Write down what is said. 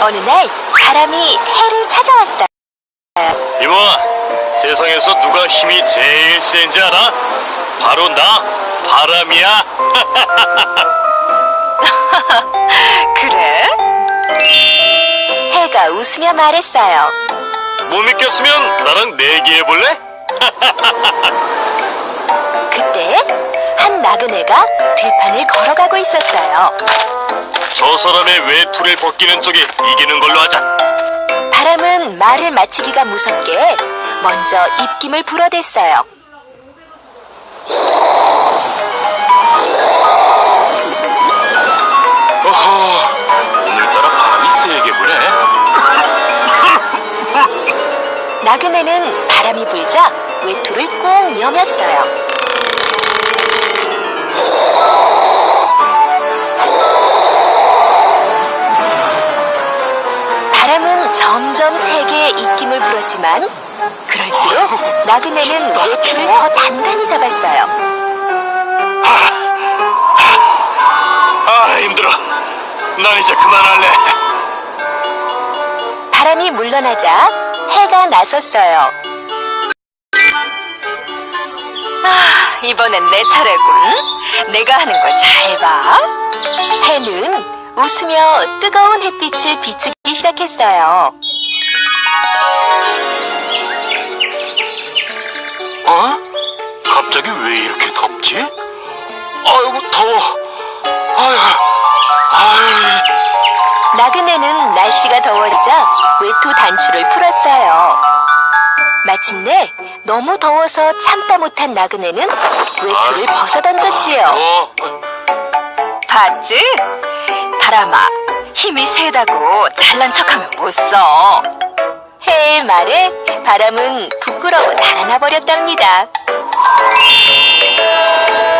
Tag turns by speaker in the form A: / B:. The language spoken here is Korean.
A: 어느 날 바람이 해를 찾아왔어요.
B: 이봐, 세상에서 누가 힘이 제일 센지 알아? 바로 나, 바람이야.
A: 그래? 해가 웃으며 말했어요.
B: 못 믿겠으면 나랑 내기해볼래?
A: 그때 한 나그네가 들판을 걸어가고 있었어요.
B: 저 사람의 외투를 벗기는 쪽이 이기는 걸로 하자.
A: 바람은 말을 마치기가 무섭게 먼저 입김을 불어댔어요.
B: 어허, 오늘따라 바람이 세게 부네.
A: 나그네는 바람이 불자 외투를 꼭 여몄어요. 바람은 점점 세게 입김을 불었지만 그럴수록 나그네는 외투를 더 단단히 잡았어요.
B: 아, 힘들어. 난 이제 그만할래.
A: 바람이 물러나자 해가 나섰어요. 이번엔 내 차례군. 내가 하는 걸 잘 봐. 해는 웃으며 뜨거운 햇빛을 비추기 시작했어요.
B: 어? 갑자기 왜 이렇게 덥지? 아이고, 더워. 아유.
A: 나그네는 날씨가 더워지자 외투 단추를 풀었어요. 마침내 너무 더워서 참다 못한 나그네는 외투를 벗어던졌지요. 봤지? 바람아, 힘이 세다고 잘난 척하면 못 써. 해의 말에 바람은 부끄러워 달아나 버렸답니다.